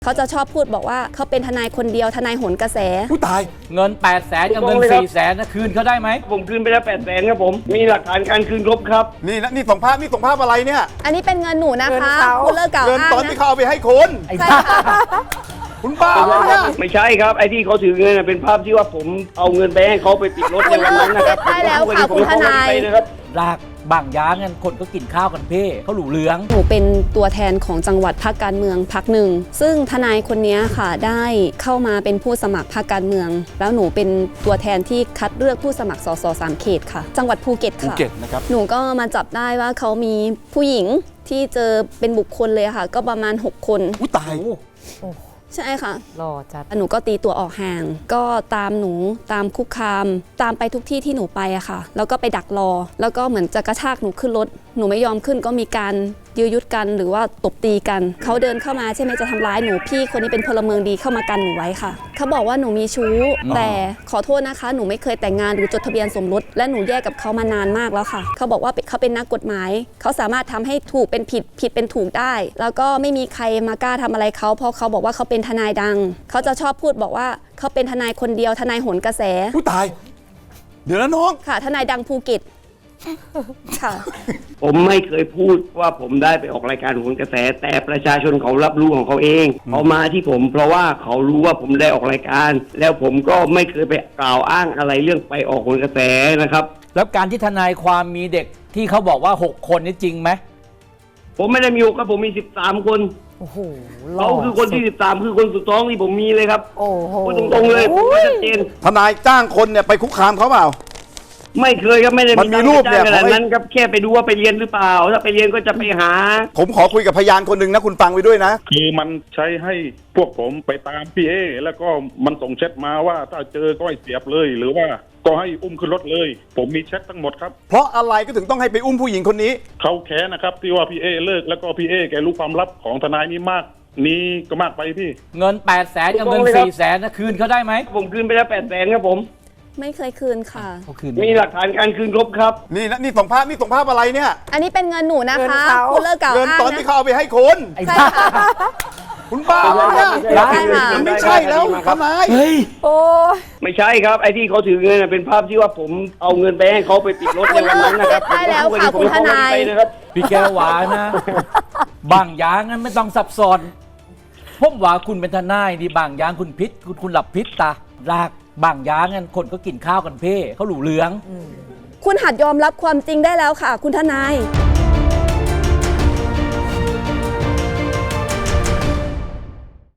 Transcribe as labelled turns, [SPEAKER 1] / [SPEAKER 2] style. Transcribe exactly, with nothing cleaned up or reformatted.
[SPEAKER 1] เขาจะชอบพูดบอกว่าเขาเป็นทนายคนเดียวทนายโหนกระแส
[SPEAKER 2] ผู้ตาย
[SPEAKER 3] เงินแปดแสนกับเงินสี่แสนนะคืนเขาได้ไหม
[SPEAKER 4] ผมคืนไปแล้วแปดแสนครับผมมีหลักฐานการคืนครบครับ
[SPEAKER 2] นี่นะนี่ส่งภาพนี่ส่งภาพอะไรเนี่ย
[SPEAKER 1] อันนี้เป็นเงินหนูนะคะคุณเลิกกล่าว
[SPEAKER 2] เงิน
[SPEAKER 1] อ้าง
[SPEAKER 2] ตอนที่
[SPEAKER 1] นะ
[SPEAKER 2] เขาเอาไปให้คุณ
[SPEAKER 1] ใช่ค่ะ
[SPEAKER 2] คุณบ้าเนี่ย
[SPEAKER 4] ไม่ใช่ครับไอ้ที่เขาถือเงินเป็นภาพที่ว่าผมเอาเงินไปให้เขาไปติดรถในวันนั้นนะครับ
[SPEAKER 1] ได้แล้วค่ะคุณทนาย
[SPEAKER 3] รากบางย้างกันคนก็กินข้าวกันเพ่เขาหลูเหลือง
[SPEAKER 1] หนูเป็นตัวแทนของจังหวัดพรรคการเมืองพรรคหนึ่งซึ่งทนายคนนี้ค่ะได้เข้ามาเป็นผู้สมัครพรรคการเมือง แล้วหนูเป็นตัวแทนที่คัดเลือกผู้สมัครสสสามเขตค่ะจังหวัดภูเก็ตค่ะ
[SPEAKER 2] ภูเก็ตนะครับ
[SPEAKER 1] หนูก็มาจับได้ว่าเขามีผู้หญิงที่เจอเป็นบุคคลเลยค่ะก็ประมาณหกคน
[SPEAKER 2] อุ้ยตาย
[SPEAKER 1] ใช่ค่ะ
[SPEAKER 5] รอจัด
[SPEAKER 1] หนูก็ตีตัวออกห่างก็ตามหนูตามคุกคามตามไปทุกที่ที่หนูไปอะค่ะแล้วก็ไปดักรอแล้วก็เหมือนจะกระชากหนูขึ้นรถหนูไม่ยอมขึ้นก็มีการยื้อยุดกันหรือว่าตบตีกันเขาเดินเข้ามาใช่ไหมจะทำร้ายหนูพี่คนนี้เป็นพลเมืองดีเข้ามากันหนูไว้ค่ะเขาบอกว่าหนูมีชู้แต่ขอโทษนะคะหนูไม่เคยแต่งงานหรือจดทะเบียนสมรสและหนูแยกกับเขามานานมากแล้วค่ะเขาบอกว่าเขาเป็นนักกฎหมายเขาสามารถทำให้ถูกเป็นผิดผิดเป็นถูกได้แล้วก็ไม่มีใครมากล้าทำอะไรเขาเพราะเขาบอกว่าเขาเป็นทนายดังเขาจะชอบพูดบอกว่าเขาเป็นทนายคนเดียวทนายโหนกระแส
[SPEAKER 2] ผู้ตายเดี๋ยวนะน้อง
[SPEAKER 1] ค่ะทนายดังภูเก็ตค่ะ
[SPEAKER 4] ผมไม่เคยพูดว่าผมได้ไปออกรายการโหนกระแสแต่ประชาชนเขารับรู้ของเขาเองเขามาที่ผมเพราะว่าเขารู้ว่าผมได้ออกรายการแล้วผมก็ไม่เคยไปกล่าวอ้างอะไรเรื่องไปออกโหนกระแสนะครับ
[SPEAKER 3] แล้วการที่ทนายความมีเด็กที่เขาบอกว่าหกคนนี่จริงไหม
[SPEAKER 4] ผมไม่ได้มีหกครับผมมีสิบสามคน
[SPEAKER 5] โอ้โห
[SPEAKER 4] เขาคือคนที่สิบสามคือคนสุดท้องที่ผมมีเลยครับ
[SPEAKER 5] โอ้โห
[SPEAKER 4] พูดตรงๆเลยผมชัดเจน
[SPEAKER 2] ทนายจ้างคนเนี่ยไปคุกคามเขาเปล่า
[SPEAKER 4] ไม่เคยครับไม่ได้
[SPEAKER 2] มันมีรูปเนี่ย
[SPEAKER 4] ขนาดนั้นครับแค่ไปดูว่าไปเรียนหรือเปล่าถ้าไปเรียนก็จะไปหา
[SPEAKER 2] ผมขอคุยกับพยานคนหนึ่งนะคุณฟังไว้ด้วยนะ
[SPEAKER 6] คือมันใช้ให้พวกผมไปตามพี่เอแล้วก็มันส่งแชทมาว่าถ้าเจอก็ให้เสียบเลยหรือว่าก็ให้อุ้มขึ้นรถเลยผมมีแชททั้งหมดครับ
[SPEAKER 2] เพราะอะไรก็ถึงต้องให้ไปอุ้มผู้หญิงคนนี้
[SPEAKER 6] เขาแค้นนะครับที่ว่าพี่เอเลิกแล้วก็พี่เอแกรู้ความลับของทนายนี้มากนี้ก็มากไปพี่
[SPEAKER 3] เงินแปดแสนกับเงินสี่แสนนะคืนเขาได้ไหม
[SPEAKER 4] ผมคืนไปแล้วแปดแสนครับผม
[SPEAKER 1] ไม่เคยคืนค่ะ
[SPEAKER 4] มีหลักฐานการคืนครบครับ
[SPEAKER 2] นี่นะนี่ส่งภาพนี่ส่งภาพอะไรเนี่ย
[SPEAKER 1] อันนี้เป็นเงินหนูนะคะคุณเลิกกล่าวอ้างนะ
[SPEAKER 2] เงินตอนที่เขาเอาไปให้คุณ
[SPEAKER 1] ใช่ค่ะ
[SPEAKER 2] คุณบ้าเนี่ยมันไม่ใช่แล้วทนาย
[SPEAKER 3] เฮ้ย
[SPEAKER 5] โอ้
[SPEAKER 4] ไม่ใช่ครับไอ้ที่เขาถือเงินเป็นภาพที่ว่าผมเอาเงินไปให้เขาไปติดรถในวันนั้นนะครับ
[SPEAKER 1] ได้แล้วค่ะคุณทนาย
[SPEAKER 3] พี่แก้วหวานนะบางอย่างนั้นไม่ต้องซับซ้อนผมว่าคุณเป็นทนายดีบางอย่างคุณพิษคุณคุณหลับพิษตารากบางย้างกันคนก็กินข้าวกันเพ่เขาหลูเหลือง
[SPEAKER 1] คุณหัดยอมรับความจริงได้แล้วค่ะคุณทนาย